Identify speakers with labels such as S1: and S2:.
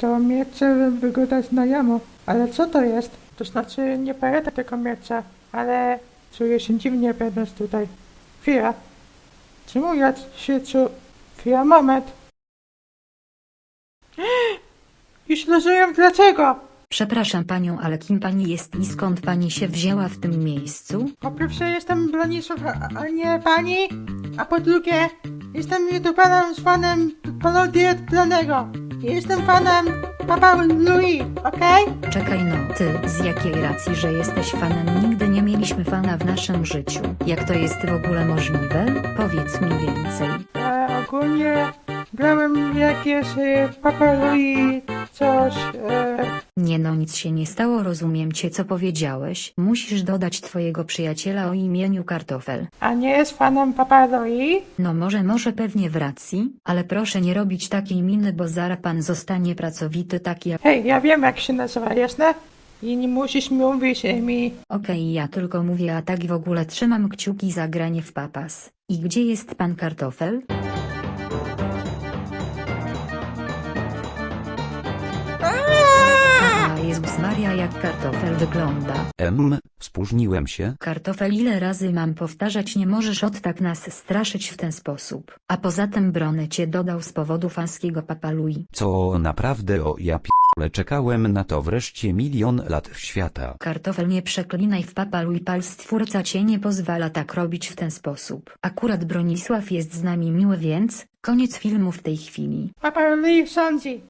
S1: To miecze wygląda znajomo, ale co to jest? To znaczy nie pamiętam tego miecza, ale czuję się dziwnie będąc tutaj. Chwila. Czemu ja się Chwila, moment. Już rozumiem dlaczego.
S2: Przepraszam panią, ale kim pani jest i skąd pani się wzięła w tym miejscu?
S1: Po pierwsze jestem Bronisław, a nie pani. A po drugie, jestem youtuberem z fanem parodii Planego. Jestem fanem Papa Louis, okej?
S2: Czekaj no, ty, z jakiej racji, że jesteś fanem? Nigdy nie mieliśmy fana w naszym życiu. Jak to jest w ogóle możliwe? Powiedz mi więcej.
S1: Ogólnie grałem jakieś Papa Louis, coś,
S2: Nie no, nic się nie stało, rozumiem cię, co powiedziałeś. Musisz dodać twojego przyjaciela o imieniu Kartofel.
S1: a nie jest fanem Papa Louis?
S2: No może pewnie w racji, ale proszę nie robić takiej miny, bo zaraz pan zostanie pracowity tak jak...
S1: Hej, ja wiem jak się nazywa, jasne? I nie musisz mówić mi.
S2: Okej, ja tylko mówię, a tak w ogóle trzymam kciuki za granie w papas. I gdzie jest pan Kartofel? A Jezus Maria, jak Kartofel wygląda.
S3: Spóźniłem się.
S2: Kartofel, ile razy mam powtarzać, nie możesz od tak nas straszyć w ten sposób. A poza tym Brony cię dodał z powodu fanskiego Papa Louis.
S3: Co naprawdę ja p***le, czekałem na to wreszcie milion lat świata.
S2: Kartofel, nie przeklinaj w Papa Louis, pal stwórca cię nie pozwala tak robić w ten sposób. Akurat Bronisław jest z nami miły, więc koniec filmu w tej chwili.
S1: Papa Louis sądzi.